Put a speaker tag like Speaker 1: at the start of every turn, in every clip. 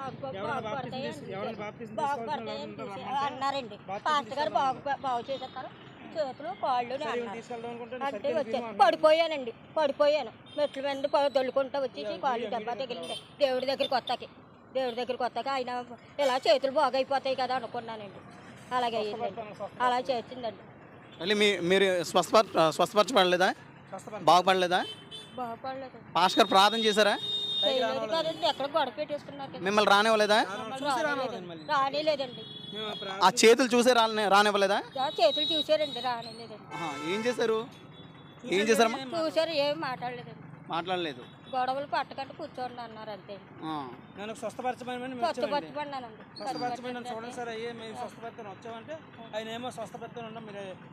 Speaker 1: అన్నారండి. పాస్టర్ గారు బాగు చేసేస్తారు, చేతులు కాళ్ళు అంటే వచ్చాను. పడిపోయాను మెట్ల మీద దొల్లుకుంటూ వచ్చేసి కాళ్ళు దెబ్బ తగిలింది. దేవుడి దగ్గరికి వస్తాక ఆయన ఇలా చేతులు బాగైపోతాయి కదా అనుకున్నానండి. అలాగే అయ్యిందండి, అలా చేసిందండి.
Speaker 2: మళ్ళీ మీరు స్వస్థపరచబడలేదా? బాగుపడలేదా?
Speaker 1: బాగుపడలేదు.
Speaker 2: పాస్టర్ గారు ప్రార్థన చేశారా?
Speaker 1: ఎక్కడ గొడవ పెట్టేసుకున్నారు.
Speaker 2: మిమ్మల్ని రానివ్వలేదా?
Speaker 1: రానిలేదండి.
Speaker 2: ఆ చేతులు చూసే రానివ్వలేదా?
Speaker 1: చేతులు చూసారండి, రానిలేదండి.
Speaker 2: ఏం చేశారు?
Speaker 1: చూసారు, ఏం మాట్లాడలేదు. గొడవలు పట్టకంటే కూర్చోండి అన్నారు అంతే.
Speaker 3: నేను స్వస్థపరచమని చూడండి సార్, అయ్యే మేము స్వస్థపరితను వచ్చామంటే ఆయన ఏమో స్వస్థపరితను ఉన్నాం,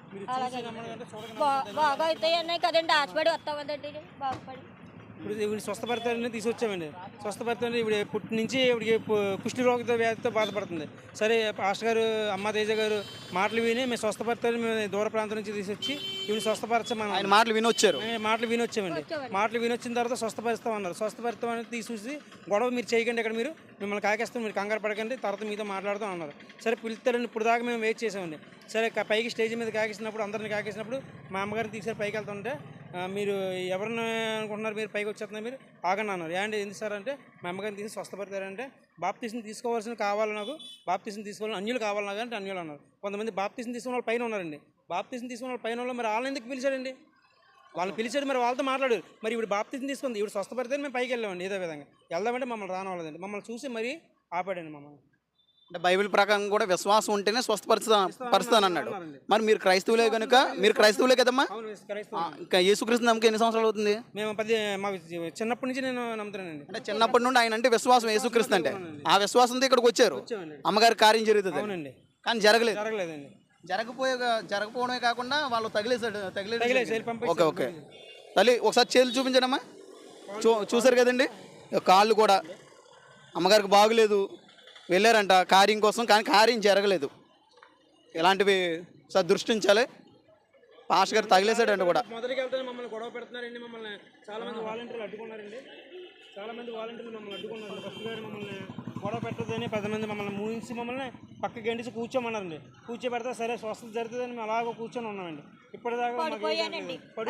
Speaker 1: బాగా అవుతాయి అన్నాయి కదండి. ఆశపడి వస్తామండి, బాగుపడి
Speaker 3: ఇప్పుడు ఇవి స్వస్థపరితని తీసుకొచ్చామండి. స్వస్థపరితని ఇప్పుడు పుట్టి నుంచి ఇవిడికి కుష్టి రోగ వ్యాధితో బాధపడుతుంది. సరే పాస్టర్ గారు, అమ్మ తేజ గారు మాటలు విని మేము స్వస్థపరితని మేము దూర ప్రాంతం నుంచి తీసుకొచ్చి ఇవి స్వస్థపరచమని
Speaker 2: ఆయన మాటలు
Speaker 3: వినొచ్చామండి. మాటలు వినొచ్చిన తర్వాత స్వస్థపరుస్తామన్నారు. స్వస్థపరుస్తామని తీసుకొచ్చి గొడవ మీరు చేయకండి, ఇక్కడ మీరు మిమ్మల్ని కాకేస్తాం, మీరు కంగారు పడకండి, తర్వాత మీతో మాట్లాడుతాం అన్నారు. సరే పిలుస్తారండి, ఇప్పుడు దాకా మేము వెయిట్ చేసామండి. సరే పైకి స్టేజ్ మీద కాకేసినప్పుడు, అందరిని కాకేసినప్పుడు మా అమ్మగారిని తీసుకొని పైకి వెళ్తుంటే మీరు ఎవరిని అనుకుంటున్నారు, మీరు పైకి వచ్చేస్తున్నారు, మీరు ఆగండి అన్నారు. ఏంటి ఎందుకు సార్ అంటే మా అమ్మగారిని తీసి స్వస్థపడతారంటే బాప్తీసం తీసుకోవాల్సిన కావాలి, నాకు బాప్తీసం తీసుకోవాలని అన్యులు కావాలి నాకు అంటే అన్యులు అన్నారు. కొంతమంది బాప్తీసం తీసుకున్న వాళ్ళు పైన ఉన్నారండి. బాప్తీసం తీసుకున్న వాళ్ళు పైన వాళ్ళు మరి వాళ్ళని ఎందుకు పిలిచాడండి? వాళ్ళని పిలిచాడు, మరి వాళ్ళతో మాట్లాడారు. మరి ఇప్పుడు బాప్తీసం తీసుకుంది, ఇప్పుడు స్వస్థపడితే మేము పైకి వెళ్ళామండి. ఏదో విధంగా వెళ్దామంటే మమ్మల్ని రానివ్వలేదండి. మమ్మల్ని చూసి మరీ ఆపాడండి మమ్మల్ని.
Speaker 2: అంటే బైబిల్ ప్రకారం కూడా విశ్వాసం ఉంటేనే స్వస్థపరుస్తానన్నాడు. మరి మీరు క్రైస్తవులే కనుక, మీరు క్రైస్తవులే కదమ్మా? ఇంకా యేసుక్రీస్తు నమ్మకం ఎన్ని సంవత్సరాలు అవుతుంది?
Speaker 3: మేము మా చిన్నప్పటి నుంచి నేను నమ్ముతానండి.
Speaker 2: అంటే చిన్నప్పటి నుండి ఆయన అంటే విశ్వాసం, యేసుక్రీస్తు అంటే ఆ విశ్వాసంతో ఇక్కడికి వచ్చారు. అమ్మగారి కార్యం జరుగుతుంది.
Speaker 3: అవునండి,
Speaker 2: కానీ జరగలేదండి. జరగకపోవడమే కాకుండా వాళ్ళు తగిలేసాడు. ఓకే తల్లి ఒకసారి చేతులు చూపించడమ్మా. చూసారు కదండి, కాళ్ళు కూడా అమ్మగారికి బాగులేదు, వెళ్ళారంట కార్యం కోసం, కానీ కార్యం జరగలేదు. ఇలాంటివి సార్ దృష్టించాలి. పాస్టర్ గారు తగిలేసాడంట కూడా.
Speaker 3: మొదటికి వెళ్తే మమ్మల్ని గొడవ పెడుతున్నారండి. మమ్మల్ని చాలామంది వాలంటీర్లు అడ్డుకున్నారండి. మమ్మల్ని అడ్డుకున్నారు. ఫస్ట్ గారు మమ్మల్ని గొడవ పెట్టదని 10 మంది మమ్మల్ని మూయించి మమ్మల్ని పక్కకి గంటించి కూర్చోమన్నారండి. కూర్చోబెడితే సరే స్వస్థత జరుగుతుందని మేము అలాగ కూర్చొని ఉన్నామండి. ఇప్పటిదాకా
Speaker 1: పడిపోయాను,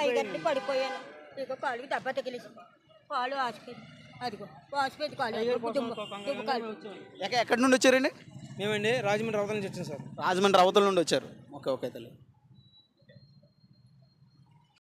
Speaker 1: కాళ్ళకి దెబ్బ తగిలేసి కాళ్ళు ఆసిపోయింది.
Speaker 2: ఎక్కడి నుండి వచ్చారండి?
Speaker 3: మేమండి రాజమండ్రి రవతల నుంచి వచ్చాం సార్.
Speaker 2: రాజమండ్రి రవతల నుండి వచ్చారు. ఓకే తల్లి.